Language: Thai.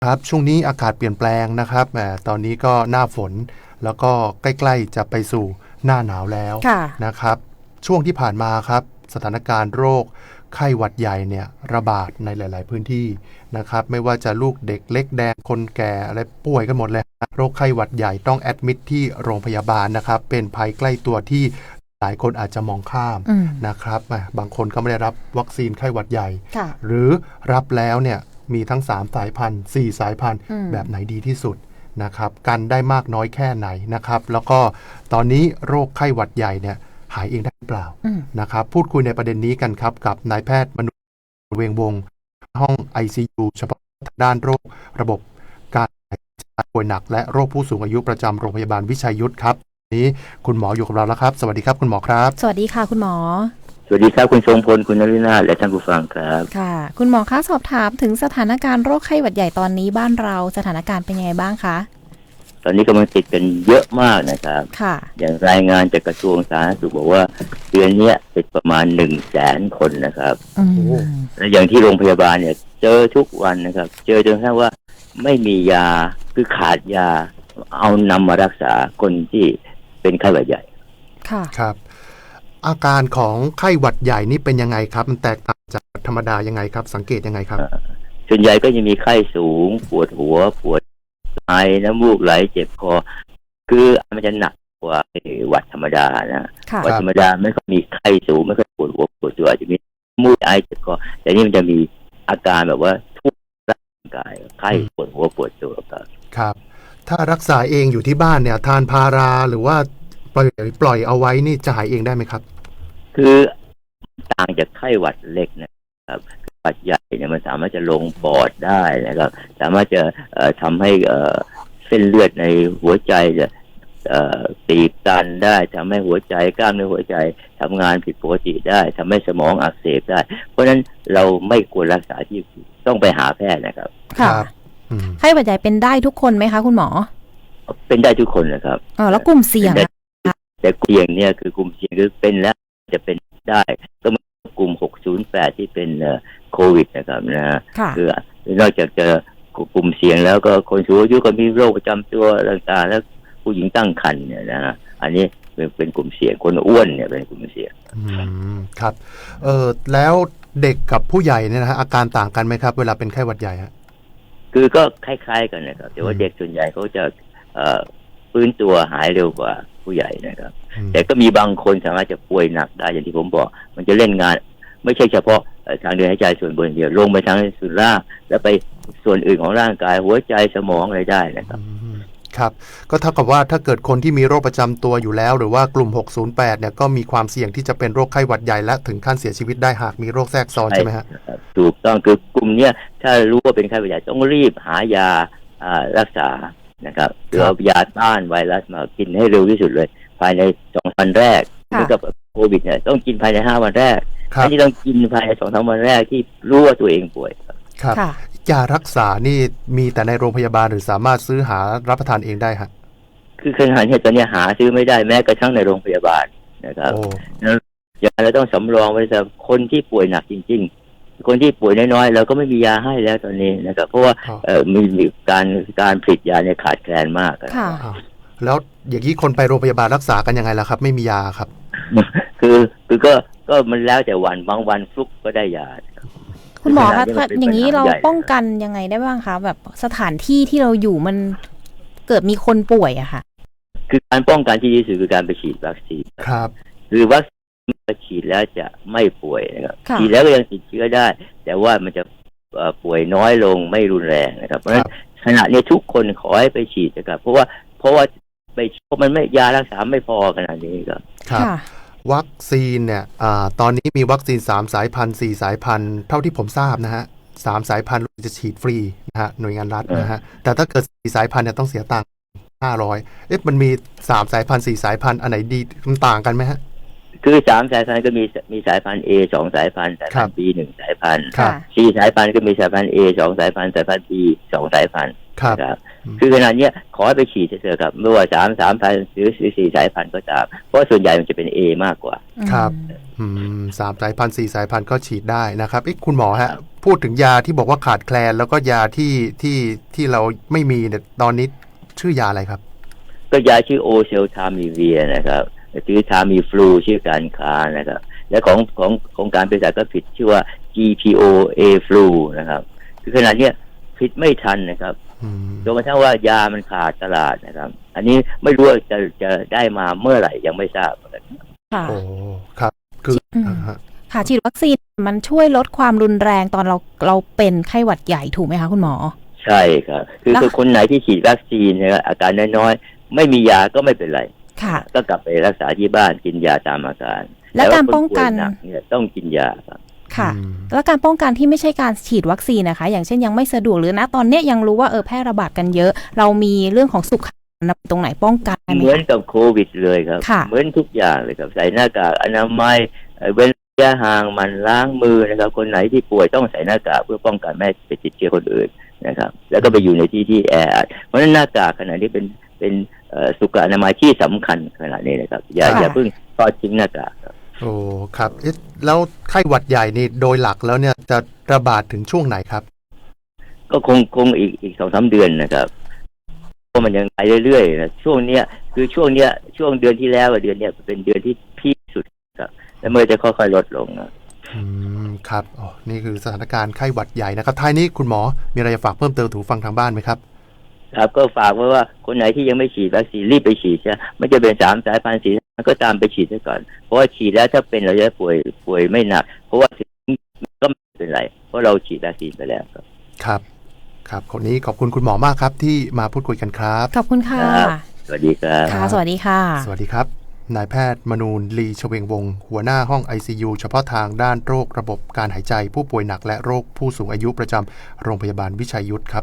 ครับช่วงนี้อากาศเปลี่ยนแปลงนะครับแหมตอนนี้ก็หน้าฝนแล้วก็ใกล้ๆจะไปสู่หน้าหนาวแล้วค่ะนะครับช่วงที่ผ่านมาครับสถานการณ์โรคไข้หวัดใหญ่เนี่ยระบาดในหลายๆพื้นที่นะครับไม่ว่าจะลูกเด็กเล็กแดงคนแก่อะไรป่วยกันหมดเลยโรคไข้หวัดใหญ่ต้องแอดมิดที่โรงพยาบาลนะครับเป็นภัยใกล้ตัวที่หลายคนอาจจะมองข้ามอืมนะครับบางคนก็ไม่ได้รับวัคซีนไข้หวัดใหญ่ค่ะหรือรับแล้วเนี่ยมีทั้ง3สายพันธุ์4สายพันธุ์อืมแบบไหนดีที่สุดนะครับกันได้มากน้อยแค่ไหนนะครับแล้วก็ตอนนี้โรคไข้หวัดใหญ่เนี่ยหายเองได้หรือเปล่าอืมนะครับพูดคุยในประเด็นนี้กันครับกับนายแพทย์มนุษย์เวงวงศ์ห้อง ICU เฉพาะด้านโรคระบบการหายใจป่วยหนักและโรคผู้สูงอายุประจำโรงพยาบาลวิชัยยุทธครับวันนี้คุณหมออยู่กับเราแล้วครับสวัสดีครับคุณหมอครับสวัสดีค่ะคุณหมอสวัสดีครับคุณทรงพลคุณนฤนาถและท่านผู้ฟังครับค่ะคุณหมอคะสอบถามถึงสถานการณ์โรคไข้หวัดใหญ่ตอนนี้บ้านเราสถานการณ์เป็นยังไงบ้างคะตอนนี้กำลังติดกันเยอะมากนะครับค่ะอย่างรายงานจากกระทรวงสาธารณสุขบอกว่าเดือนนี้ติดประมาณ100,000 คนนะครับอืมและอย่างที่โรงพยาบาลเนี่ยเจอทุกวันนะครับเจอจนกระทั่งว่าไม่มียาคือขาดยาเอานำมารักษาคนที่เป็นไข้หวัดใหญ่ค่ะครับอาการของไข้หวัดใหญ่นี่เป็นยังไงครับมันแตกต่างจากธรรมดายังไงครับสังเกตยังไงครับส่วนใหญ่ก็จะมีไข้สูงปวดหัวปวดไอน้ำมูกไหลเจ็บคอคือมันจะหนักกว่าหวัดธรรมดานะค่ะหวัดธรรมดาไม่ค่อยมีไข้สูงไม่ค่อยปวดหัวปวดตัวอาจจะมีมูกไอเจ็บคอแต่นี่มันจะมีอาการแบบว่าทุกร่างกายไข้ปวดหัวปวดตัวครับครับถ้ารักษาเองอยู่ที่บ้านเนี่ยทานพาราหรือว่าปล่อยเอาไว้นี่จะหายเองได้ไหมครับคือต่างจากไข้หวัดเล็กนะครับหวัดใหญ่เนี่ยมันสามารถจะลงปอดได้นะครับสามารถจะทำให้เส้นเลือดในหัวใจจะตีบตันได้ทำให้หัวใจกล้ามเนื้อหัวใจทำงานผิดปกติได้ทำให้สมองอักเสบได้เพราะฉะนั้นเราไม่ควรรักษาที่ต้องไปหาแพทย์นะครับค่ะไข้หวัดใหญ่เป็นได้ทุกคนไหมคะคุณหมอเป็นได้ทุกคนนะครับแล้วกลุ่มเสี่ยงแต่กลุ่มเสี่ยงเนี่ยคือกลุ่มเสี่ยงคือเป็นแล้วจะเป็นได้ก็มีกลุ่ม608ที่เป็นโควิดนะครับนะคือนอกจากจะกลุ่มเสี่ยงแล้วก็คนสูงอายุก็มีโรคประจำตัวต่างๆแล้วผู้หญิงตั้งครรภ์เนี่ยนะอันนี้เป็นกลุ่มเสี่ยงคนอ้วนเนี่ยเป็นกลุ่มเสี่ยงครับแล้วเด็กกับผู้ใหญ่เนี่ยนะฮะอาการต่างกันไหมครับเวลาเป็นไข้หวัดใหญ่ฮะคือก็คล้ายๆกันนะครับแต่ว่าเด็กส่วนใหญ่เขาจะฟื้นตัวหายเร็วกว่าผู้ใหญ่นะครับแต่ก็มีบางคนสามารถจะป่วยหนักได้อย่างที่ผมบอกมันจะเล่นงานไม่ใช่เฉพาะทางเดินหายใจส่วนบนเดียวลงไปทางส่วนล่างแล้วไปส่วนอื่นของร่างกายหัวใจสมองอะไรได้นะครับครับก็เท่ากับว่าถ้าเกิดคนที่มีโรคประจำตัวอยู่แล้วหรือว่ากลุ่ม608เนี่ยก็มีความเสี่ยงที่จะเป็นโรคไข้หวัดใหญ่และถึงขั้นเสียชีวิตได้หากมีโรคแทรกซ้อนใช่ไหมฮะถูกต้องคือกลุ่มเนี้ยถ้ารู้ว่าเป็นไข้หวัดใหญ่ต้องรีบหายารักษานะครับหรือเอายาต้านไวรัสมากินให้เร็วที่สุดเลยภายใน2 วันแรกเหมือนกับโควิดเนี่ยต้องกินภายใน5 วันแรกอันนี้ต้องกินภายใน2-3 วันแรกที่รู้ว่าตัวเองป่วยครับยารักษานี่มีแต่ในโรงพยาบาลหรือสามารถซื้อหารับประทานเองได้ฮะคือขนาดนี้ตอนนี้หาซื้อไม่ได้แม้กระทั่งในโรงพยาบาลนะครับยาเราต้องสำรองไว้สำหรับคนที่ป่วยหนักจริงๆคนที่ป่วยน้อยๆเราก็ไม่มียาให้แล้วตอนนี้นะครับเพราะว่ามีการผลิตยาเนี่ยขาดแคลนมากแล้วอย่างนี้คนไปโรงพยาบาลรักษากันยังไงล่ะครับไม่มียาครับคือก็มันแล้วแต่วันบางวันฟลุกก็ได้ยาคุณหมอคะอย่างนี้เราป้องกันยังไงได้บ้างคะแบบสถานที่ที่เราอยู่มันเกิดมีคนป่วยอะค่ะคือการป้องกันที่ดีที่สุดคือการไปฉีดวัคซีนครับคือวัคซีนฉีดแล้วจะไม่ป่วยนะครับฉีดแล้วก็ยังติดเชื้อได้แต่ว่ามันจะป่วยน้อยลงไม่รุนแรงนะครับเพราะฉะนั้นขณะนี้ทุกคนขอให้ไปฉีดนะครับเพราะว่าไปมันไม่ยารักษาไม่พอขนาดนี้ครับวัคซีนเนี่ยตอนนี้มีวัคซีน3 สายพันธุ์4 สายพันธุ์เท่าที่ผมทราบนะฮะ3 สายพันธุ์จะฉีดฟรีนะฮะหน่วยงานรัฐนะฮะแต่ถ้าเกิด4 สายพันธุ์เนี่ยต้องเสียตังค์500มันมี3 สายพันธุ์4 สายพันธุ์อันไหนดีมันต่างกันไหมฮะคือ3 สายพันธุ์ก็มีสายพันธุ์ A 2 สายพันธุ์สายพันธุ์ B 1 สายพันธุ์4 สายพันธุ์ก็มีสายพันธุ์ A 2 สายพันธุ์สายพันธุ์ B 2 สายพันธุ์ครับนะครับคือขนาดเนี้ยขอให้ไปฉีดเถอะครับไม่ว่า3,000หรือ4 สายพันธุ์ก็ตามเพราะส่วนใหญ่มันจะเป็น A มากกว่าครับ3 สายพันธุ์ 4 สายพันธุ์ก็ฉีดได้นะครับคุณหมอฮะพูดถึงยาที่บอกว่าขาดแคลนแล้วก็ยาที่เราไม่มีเนี่ยตอนนี้ชื่อยาอะไรครับก็ยาชื่อโอเซลทามีเวียนะครับชื่อทามีฟลูชื่อการค้านะครับและของการเภสัชก็ผิดชื่อว่า GPO A flu นะครับคือขนาดเนี้ยผิดไม่ทันนะครับจนกระทั่งว่ายามันขาดตลาดนะครับอันนี้ไม่รู้ว่าจะได้มาเมื่อไหร่ยังไม่ทราบค่ะโอ้ครับคือค่ะฉีดวัคซีนมันช่วยลดความรุนแรงตอนเราเป็นไข้หวัดใหญ่ถูกไหมคะคุณหมอใช่ครับคือคนไหนที่ฉีดวัคซีนเนี่ยอาการน้อยๆไม่มียาก็ไม่เป็นไรค่ะก็กลับไปรักษาที่บ้านกินยาตามอาการและการป้องกันเนี่ยต้องกินยาครับค่ะแล้วการป้องกันที่ไม่ใช่การฉีดวัคซีนนะคะอย่างเช่นยังไม่สะดวกหรือนะตอนนี้ยังรู้ว่าแพร่ระบาดกันเยอะเรามีเรื่องของสุขตรงไหนป้องกันเหมือนกับโควิดเลยครับเหมือนทุกอย่างเลยครับใส่หน้ากากอนามัยเว้นระยะห่างมันล้างมือนะครับคนไหนที่ป่วยต้องใส่หน้ากากเพื่อป้องกันไม่ให้ไปติดเชื้อคนอื่นนะครับแล้วก็ไปอยู่ในที่แออัดเพราะฉะนั้นหน้ากากขณะนี้เป็นสุขอนามัยที่สำคัญขณะนี้นะครับอย่าเพิ่งทอดทิ้งหน้ากากครับโอ้ครับแล้วไข้หวัดใหญ่นี่โดยหลักแล้วเนี่ยจะระบาดถึงช่วงไหนครับก็คงอีก 2-3 เดือนนะครับเพราะมันยังไปเรื่อยๆนะช่วงเนี้ยช่วงเดือนที่แล้วกับเดือนเนี้ยเป็นเดือนที่พีคสุดครับแล้วเมื่อจะค่อยๆลดลงครับนี่คือสถานการณ์ไข้หวัดใหญ่นะครับท้ายนี้คุณหมอมีอะไรจะฝากเพิ่มเติมถูกฟังทางบ้านไหมครับครับก็ฝากไว้ว่าคนไหนที่ยังไม่ฉีดวัคซีนรีบไปฉีดใช่ไม่จะเป็น3 สายพันธุ์4ก็ตามไปฉีดซะก่อนเพราะว่าฉีดแล้วถ้าเป็นเราจะป่วยไม่หนักเพราะว่าก็ไม่เป็นไรเพราะเราฉีดวัคซีนไปแล้วครับคนนี้ขอบคุณคุณหมอมากครับที่มาพูดคุยกันครับขอบคุณค่ะสวัสดีครับค่ะสวัสดีค่ะสวัสดีครับนายแพทย์มนูนลีชเวงวงศ์หัวหน้าห้อง ICU เฉพาะทางด้านโรคระบบการหายใจผู้ป่วยหนักและโรคผู้สูงอายุประจำโรงพยาบาลวิชัยยุทธครับ